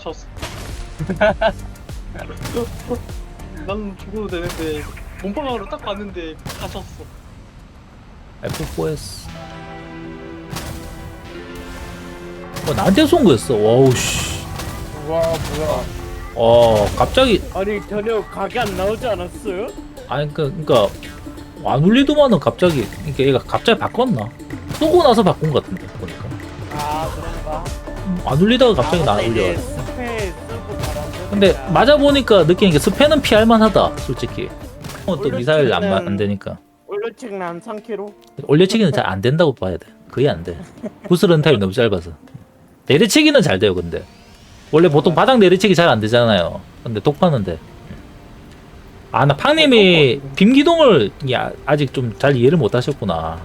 갇혔어. 난 죽어도 되는데 몸빵으로 딱 봤는데 갇혔어. F4S. 나한테 쏜 거였어. 와우 씨. 와 뭐야? 갑자기 아니 전혀 각이 안 나오지 않았어요? 아니 그러니까 안 울리더만은 갑자기 그러니까 얘가 갑자기 바꿨나? 쏘고 나서 바꾼 것 같은데 보니까. 아 그런가? 안 울리다가 갑자기 나 맞다, 울려. 이제 스페 쓰고 바람 근데 쐬니까. 맞아 보니까 느끼는 게 스패는 피할 만하다 솔직히. 또 미사일 안 올려치기는- 되니까. 올려치기는 한 3kg? 올려치기는 잘 안 된다고 봐야 돼. 거의 안 돼. 구슬 런타임이 너무 짧아서. 내리치기는 잘 돼요 근데. 원래 보통 바닥 내리치기 잘 안 되잖아요. 근데 독파는 돼. 아, 나 팡님이 빔기동을 아직 좀 잘 이해를 못 하셨구나.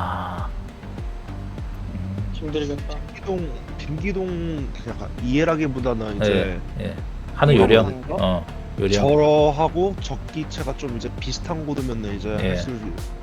힘들겠다. 빈기동 약간 이해라기보다는 이제 예. 하는 요령. 하는 거? 요령. 저러하고 적기체가 좀 이제 비슷한 곳이면은 이제 예. 사실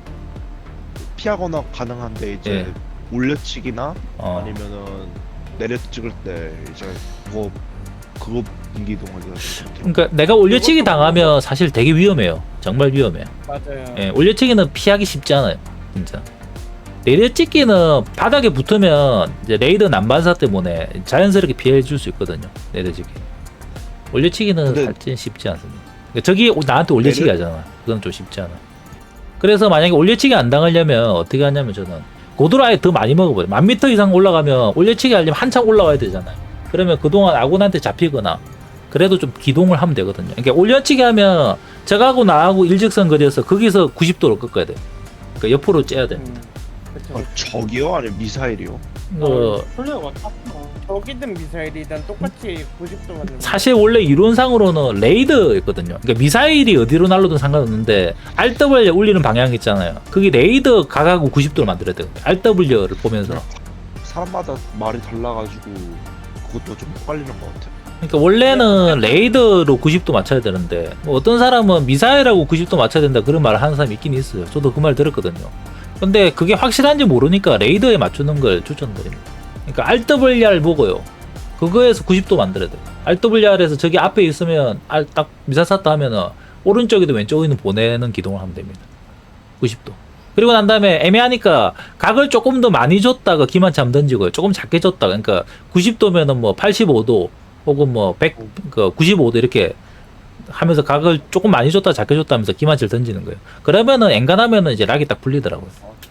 피하거나 가능한데 이제 예. 올려치기나 어. 아니면은 내려 찍을 때 이제 그거 빈기동을 그러니까 내가 올려치기 당하면 사실 되게 위험해요. 정말 위험해요. 맞아요. 예, 올려치기는 피하기 쉽지 않아요. 진짜. 내려찍기는 바닥에 붙으면 이제 레이더 난반사 때문에 자연스럽게 피해 줄 수 있거든요. 내려찍기. 올려치기는 근데- 살찐 쉽지 않습니다. 그러니까 저기 나한테 올려치기 내려- 하잖아. 그건 좀 쉽지 않아. 그래서 만약에 올려치기 안 당하려면 어떻게 하냐면 저는 고도를 아예 더 많이 먹어버려요. 1000m 이상 올라가면 올려치기 하려면 한참 올라와야 되잖아요. 그러면 그동안 아군한테 잡히거나 그래도 좀 기동을 하면 되거든요. 그러니까 올려치기 하면 저하고 나하고 일직선 거리에서 거기서 90도로 꺾어야 돼요. 그러니까 옆으로 째야 돼. 그쵸. 적이요? 아니면 미사일이요? 플레이어 맞다. 저기든 미사일이든 똑같이 90도 맞는 사실 원래 이론상으로는 레이더였거든요. 그러니까 미사일이 어디로 날라도 상관없는데 RW에 울리는 방향 있잖아요. 그게 레이더 각하고 90도를 만들어야 돼요. RW를 보면서. 사람마다 말이 달라가지고 그것도 좀 헷갈리는 것 같아요. 그러니까 원래는 레이더로 90도 맞춰야 되는데 뭐 어떤 사람은 미사일하고 90도 맞춰야 된다 그런 말을 하는 사람이 있긴 있어요. 저도 그 말 들었거든요. 근데 그게 확실한지 모르니까 레이더에 맞추는 걸 추천드립니다. 그러니까 RWR 보고요. 그거에서 90도 만들어야 돼요. RWR에서 저기 앞에 있으면 딱 미사일 쐈다 하면은 오른쪽에도 왼쪽에도 보내는 기동을 하면 됩니다. 90도. 그리고 난 다음에 애매하니까 각을 조금 더 많이 줬다가 기관참 던지고요. 조금 작게 줬다가 그러니까 90도면은 뭐 85도 혹은 뭐 95도 이렇게 하면서 각을 조금 많이 줬다 작게 줬다 하면서 기관치를 던지는 거예요. 그러면은 엔간하면은 이제 락이 딱 풀리더라고요.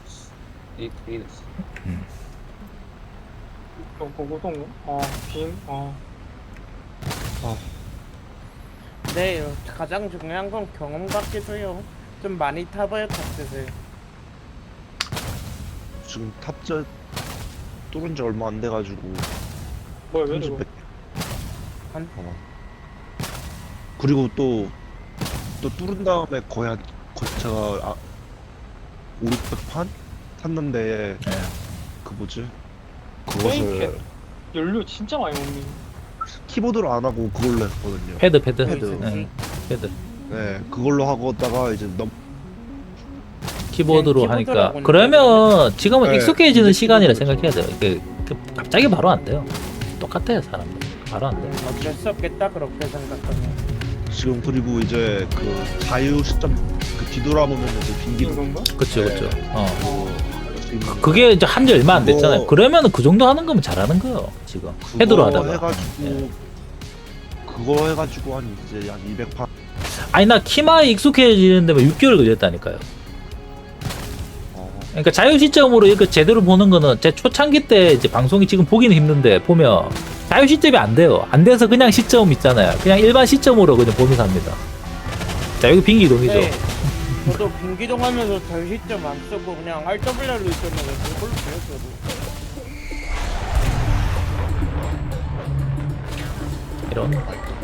고고동. 빔. 네, 가장 중요한 건 경험 같기도 해요. 좀 많이 타봐야 탑재세요. 지금 탑재 뚫은 지 얼마 안 돼가지고 뭐야 왜 이러고? 30백. 한- 그리고 또 뚫은 다음에 제가 500판 탔는데 네. 그 뭐지? 게임 그것을 연료 진짜 많이 먹니? 키보드로 안 하고 그걸로 했거든요. 패드. 패드. 네, 패드. 네, 그걸로 하고다가 이제 키보드로 그냥 하니까 키보드라고 그러면 지금은 네, 익숙해지는 이제 시간이라 키보드로 생각해야 돼요. 이게 갑자기 바로 안 돼요. 똑같아요 사람들. 바로 안 돼요. 어쩔 수 없겠다 그렇게 생각하면. 지금 그리고 이제 그 자유 시점 그 뒤돌아보면 이제 빈기도 이건가? 그쵸. 지금 그게 이제 한지 얼마 안 됐잖아요. 그거- 그러면은 그 정도 하는 거면 잘하는 거예요. 지금 그거 패드로 하다가. 해가지고 그거 해가지고 한 이제 한 200판. 아니 나 키마에 익숙해지는데 뭐 6개월 걸렸다니까요. 그러니까 자유 시점으로 이거 제대로 보는 거는 제 초창기 때 이제 방송이 지금 보기는 힘든데 보면 자유 시점이 안 돼요. 안 돼서 그냥 시점 있잖아요. 그냥 일반 시점으로 그냥 보면서 합니다. 자 여기 빙기동이죠. 네, 저도 빙기동 하면서 절시점 안 쓰고 그냥 RWR로 있었는데 그걸로 배웠어도. 이런.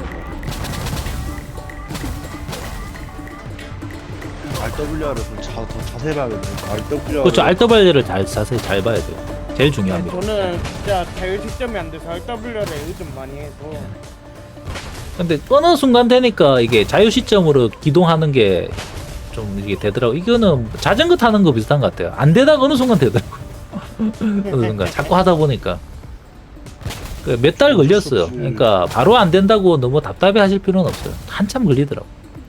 RWR을 좀 더 자세히 봐야겠네. RWR 그렇죠. RW를 자세히 잘 봐야 돼요. 제일 중요합니다. 저는 진짜 자유시점이 안 돼서 RWR에 요즘 많이 해서 근데 어느 순간 되니까 이게 자유 시점으로 기동하는 게 좀 이게 되더라고. 이거는 자전거 타는 거 비슷한 것 같아요. 안 되다가 어느 순간 되더라고. 어느 순간 자꾸 하다 보니까 그 몇 달 걸렸어요. 없이. 그러니까 바로 안 된다고 너무 답답해 하실 필요는 없어요. 한참 걸리더라고.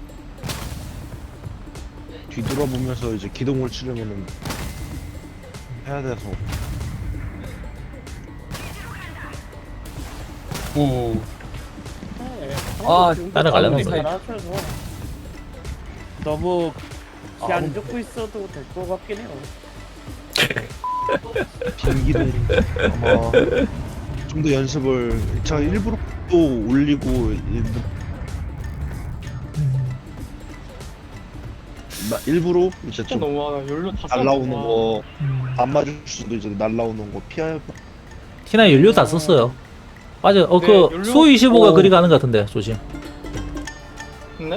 뒤돌아보면서 이제 기동을 치려면은 해야 돼서. 오. 네, 아, 따라가려나 잘 보네. 하셔서 너무 기 안 아, 좋고 있어도 될 것 같긴 해요. 빈기동 아마 좀 더 연습을 제가 일부러 또 올리고 일부러 이제 진짜 좀 너무하다. 연료 다 날라오는 썼구나. 거 안 맞을 수도 이제 날라오는 거 피해. 티나 연료 다 썼어요. 맞아. 네, 그 연료- 수 25가 오. 그리 가는 것 같은데 조심. 네?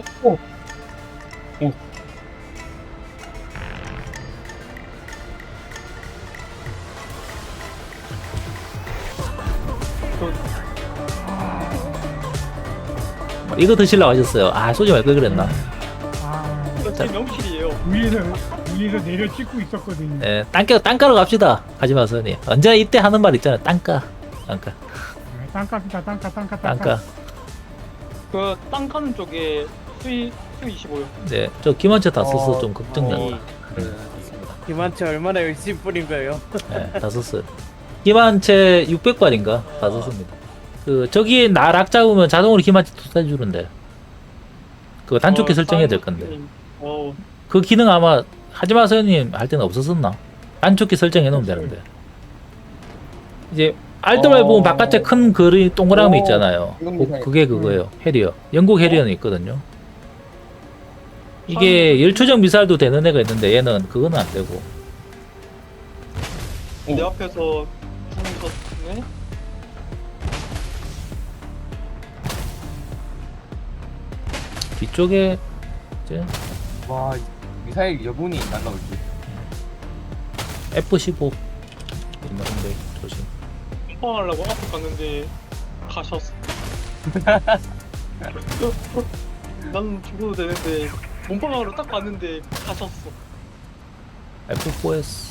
이거 드시려고 하셨어요. 아 쏘지 말 걸 그랬나. 이거 제 명실이에요. 위에서 내려 찍고 있었거든요. 예, 땅가로 갑시다. 하지 마세요. 님. 언제나 이때 하는 말 있잖아요. 땅가. 땅값이다, 땅가. 그 땅 가는 쪽에 수 25요. 네, 저 김한채 다 썼어. 좀 걱정된다. 김한채 얼마나 열심히 뿌린 거예요? 네, 다 썼어요. 김한채 600발인가 다 썼습니다. 그 저기 나락 잡으면 자동으로 김한채 투사해 주는데 그거 단축키 설정해야 될 건데 그 기능 아마 하지 마세요님 할 때는 없었었나? 단축키 설정해 놓으면 되는데 이제 알트를 보면 바깥에 큰 글이 동그라미 있잖아요. 그게 그거예요. 해리어. 영국 해리어는 있거든요. 이게 열추적 미사일도 되는 애가 있는데 얘는 그거는 안 되고. 내 앞에서 네? 뒤쪽에 이제 와, 미사일 여분이 날라올지. F15 있는데 조심. pom빵하려고 앞에 갔는데 가셨어. 난 죽어도 되는데 몸빵하러 딱 갔는데 가셨어. F4S.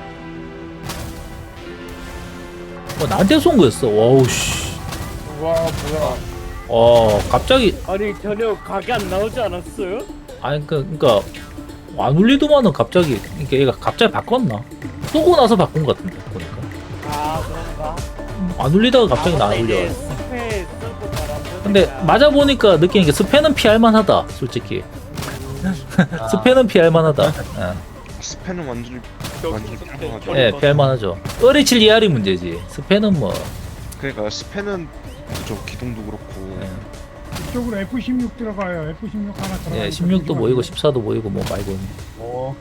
나한테 쏜 거였어. 와우 씨. 와 뭐야? 갑자기 아니 전혀 각이 안 나오지 않았어요? 아니 그러니까 안 울리더만은 갑자기 그러니까 얘가 갑자기 바꿨나? 쏘고 나서 바꾼 것 같은데 보니까 아 그런가? 안 울리다가 갑자기 나 맞다, 안 울려. 이제 스페 쓰고 바람 근데 쏘니까. 맞아 보니까 느끼는 게 스패는 피할 만하다 솔직히. 스패는 피할 만하다. 스패는 완전히 여기 있을 때 완전 예, 피할 만하죠. 어리칠 이하리 문제지. 스패는 뭐 그러니까 스패는 저 기동도 그렇고 예. 이쪽으로 F16 들어가요. F16 하나 들어가. 예, 16도 보이고 14도 보이고 뭐 말고. 오.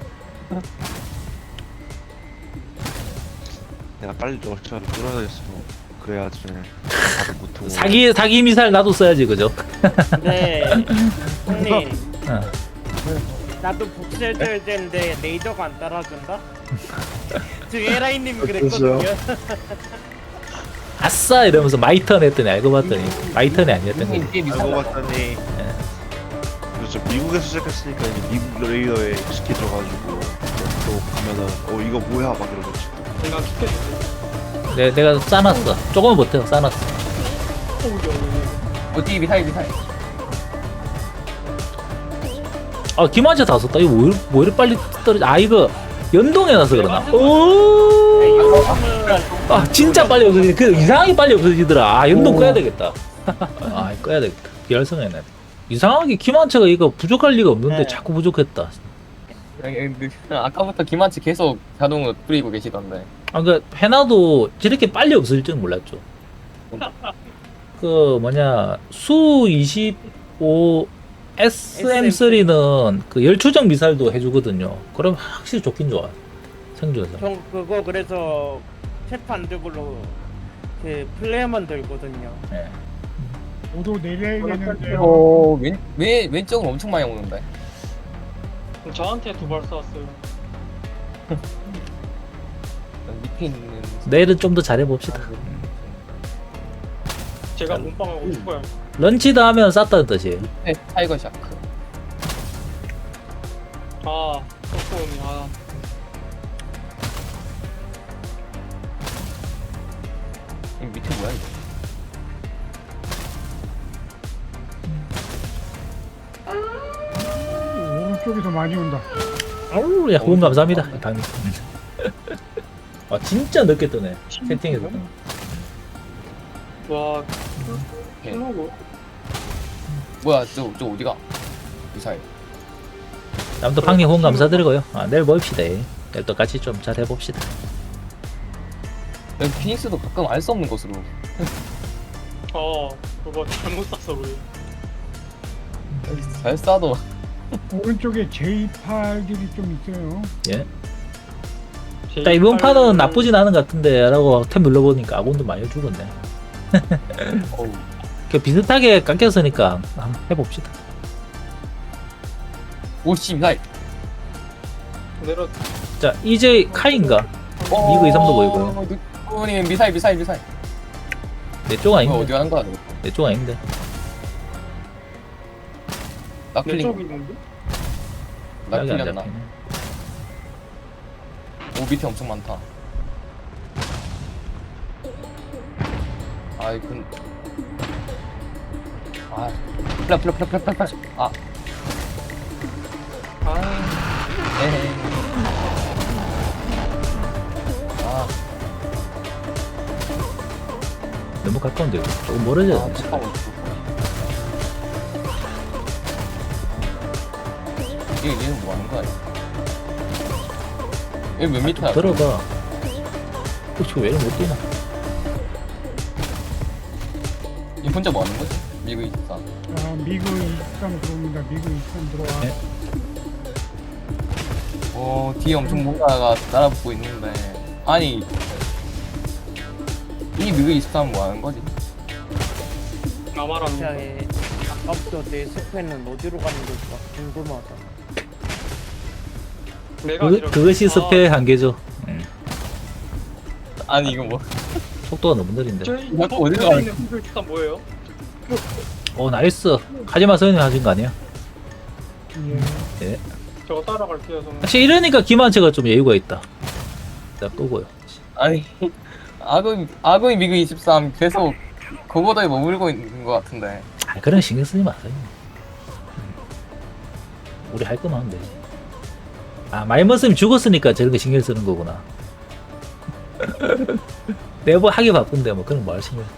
내가 빨리 러시아를 끌어야겠어. 그래야지 다들 못하고. 사기 미사일 나도 써야지 그죠? 네. 형님 어. 나도 복수해줘야 되는데 레이더가 안 따라준다? 지금 에라이님이 그랬어요? 그랬거든요. 아싸 이러면서 마이턴 했더니 알고 봤더니 마이턴이 아니었던 거지. 이게 미사일 알고 날라. 봤더니 그렇죠. 미국에서 시작했으니까 이제 미국 레이더에 익숙해져가지고 또 가면은 이거 뭐야 막 이러고 내가 죽겠는데. 내가 싸놨어. 조금은 못해요. 싸놨어. 어디 미사일. 김한채 다 썼다. 이거 뭐 이렇게 빨리 떨어져? 이거 연동해놔서 그러나? 오. 진짜 빨리 없어지네. 그 이상하게 빨리 없어지더라. 연동 꺼야 되겠다. 꺼야 되겠다. 비활성해놔야 돼. 이상하게 김한채가 이거 부족할 리가 없는데 네. 자꾸 부족했다. 아까부터 김한치 계속 자동으로 뿌리고 계시던데. 그 해놔도 저렇게 빨리 없어질 줄은 몰랐죠. 그 뭐냐 수 25 SM3는 그 열추적 미사일도 해주거든요. 그럼 확실히 좋긴 좋아. 생존에서. 형 그거 그래서 체프 안 들고로 그 플레이어만 들거든요. 네. 모두 내려야 되는데. 오, 왼쪽은 엄청 많이 오는데. 저한테 2발 쏘았어요. 밑에 있는. 내일은 좀 더 잘해봅시다. 제가 몸빵하고 죽어요. 런치다 하면 쌌다는 뜻이에요. 밑에 타이거 샤크. 속도음이 이 밑에 뭐야 이거? 오른쪽에서 많이 온다. 아우, 야, 후원 감사합니다. 방님. 아, 진짜 늦게 뜨네. 채팅에서. 와, 오케이. 클로고. 뭐야 저 어디가? 미사일. 아무튼 방님 후원 감사드리고요. 아, 내일 봅시다. 내일 또 같이 좀 잘 해봅시다. 여기 피닉스도 가끔 알 수 없는 곳으로. 그거 잘못 샀어 우리. 여기 잘 쏴도 오른쪽에 J8들이 좀 있어요. 예. 자, 이번 판은 나쁘진 않은 것 같은데 라고 탭 눌러보니까 아군도 많이 죽었네. 어우. 그 비슷하게 깎였으니까 한번 해봅시다. 오씨 미사일. 내려. 자, EJ 카인가? 미그 2, 3도 보이고요. 누구님 미사일. 내 쪽 이거 아닌데. 어디 가는 거야? 내 쪽 아닌데. 나 내 쪽이 틀린. 있는데? 나 약이 안 틀렸나? 잡히네. 오 밑에 엄청 많다. 아이 근. 아. 플라. 아. 에헤이. 아. 너무 가까운데 이거. 조금 멀어져야 아 돼. 잠깐만. 얘는 뭐 하는 거야? 얘 몇 미터야? 들어가. 혹시 왜 이렇게 못 뛰나? 얘 혼자 뭐 하는 거지? 미국 있어. 자, 미그 23 들어옵니다. 미그 23 들어와. 네. 뒤에 엄청 뭔가가 따라붙고 있는데. 아니. 이 미국 23 뭐 하는 거지? 나 말하는 거. 시장에 아까부터 내 스페는 어디로 가는 걸까 궁금하다. 내가 아니라. 그것이 스페의 한계죠. 아니 이거 뭐? 속도가 너무 느린데. 저희 이거 어디로 가는 있는 분들 일단 뭐예요? 오, 나이스. 하지마 서현이 하신 거 아니야? 예. 저거 따라갈게요 저는. 확실히 이러니까 김한채가 좀 여유가 있다. 자, 끄고요. 아니 아구이 미국 23 계속 그거에 머물고 있는 것 같은데. 아, 그런 신경 쓰지 마세요. 우리 할 거만 하면 되지. 아, 마이머스님 죽었으니까 저런 거 신경 쓰는 거구나. 내가 뭐 하기 바쁜데 뭐 그런 거 할 신경.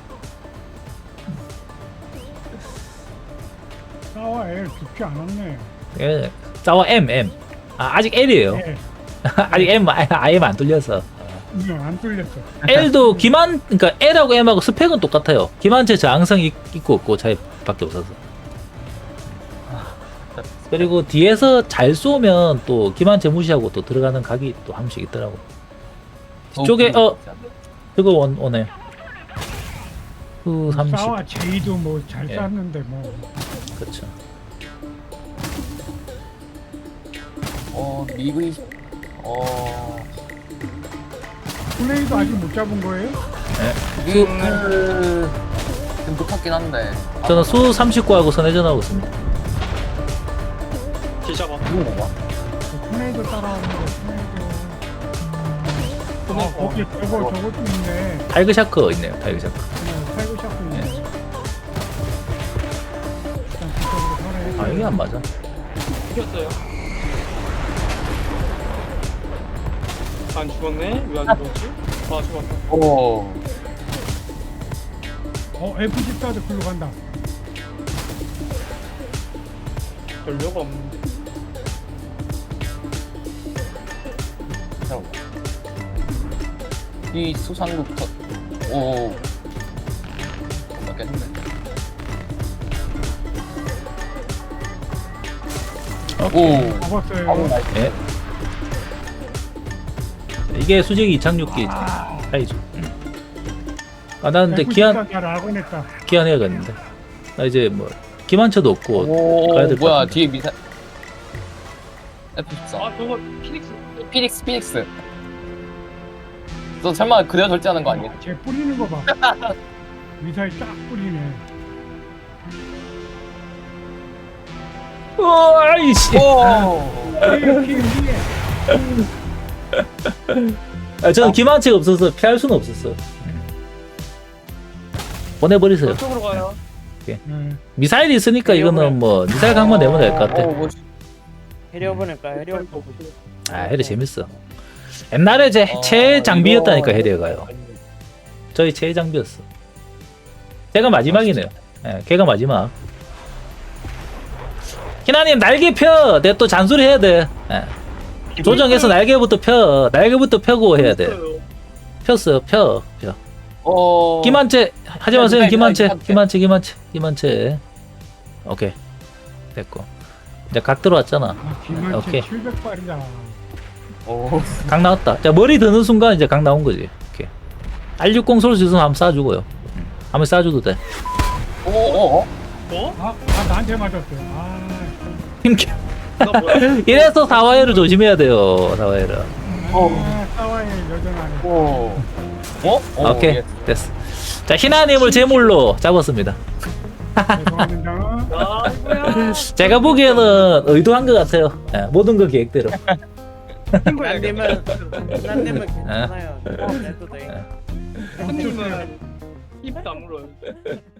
싸워 L 죽지 않았네. 예, 싸워 M. 아, 아직 L이에요. 예. 아직 M, IM 안 뚫려서. 안 뚫렸어. L도 그러니까 L하고 M하고 스펙은 똑같아요. 기만체 저항성 있고 없고 차이밖에 없어서. 그리고 뒤에서 잘 쏘면 또 기만체 무시하고 또 들어가는 각이 또 한 번씩 있더라고. 뒤쪽에 그거 오네. 그 30. 싸워 J도 뭐 잘 예. 쐈는데 뭐. 그렇죠. 미국 20. 플레이도 아직 못 잡은 거예요? 좀 높았긴 한데. 저는 수 39하고 선회전하고 있습니다. 뒤잡아. 누구 건가? 플레이도 따라오는 거. 플레이도. 근데 거기 저것도 있네. 타이거 샤크 있네요. 타이거 샤크. 타이거 샤프 있네. 일단 뒤쪽으로 서래. 아, 이게 안 맞아. 이겼어요. 안 죽었네? 왜 안 죽었지? 아 죽었다. 오. F14도 글로 간다. 연료가 없는데. 잠깐만. 이 수상국터. 오. 맞겠는데. 오. 잡았어요. 예. 이게 수직이 이착륙기 차이죠. 아, 나 근데 F14 잘 알고 냈다. 기한해야겠는데. 나 이제 뭐 기만차도 없고 오. 가야 될것 뭐야 같은데. 뒤에 미사. F14. 아 저거 피닉스. 피닉스. 너 설마 그대로 절제하는 거 아니야? 쟤 뿌리는 거 봐. 미사일 쫙 뿌리네. 아이씨. 오. 위에. 아, 저는 기만체가 없어서 피할 수는 없었어. 보내버리세요. 저쪽으로 가요. 네. 미사일이 있으니까 이거는 뭐 미사일 강만 내면 될 것 같아. 오, 뭐, 해려 보니까 해려 아 해리 재밌어. 옛날에 제 최애 장비였다니까 해리가요. 저희 최애 장비였어. 제가 마지막이네요. 예, 걔가 마지막. 희나님 날개 펴. 내가 또 잔소리 해야 돼. 예. 조정해서 날개부터 펴. 날개부터 펴고 해야 돼. 폈어. 펴. 김한채 하지 마세요. 김한채. 오케이. 됐고. 이제 각 들어왔잖아. 아, 김한채 오케이. 700발이다. 오. 각 나왔다. 자 머리 드는 순간 이제 각 나온 거지. 오케이. R60 쏠 수 있으면 한번 쏴주고요. 한번 쏴줘도 돼. 오. 어? 나한테 맞았어. 아, 힘겨. 나 뭐야? 이래서 사와이를 조심해야 돼요. 사와이를. 싸워야 여전하네. 오. 오케이. 예. 됐어. 자 희나님을 제물로 잡았습니다. 죄송합니다. 아이고야. 제가 보기에는 의도한 것 같아요. 예, 모든 건 계획대로. 난님은 괜찮아요. 해도 돼. 한님은 입 다물어요.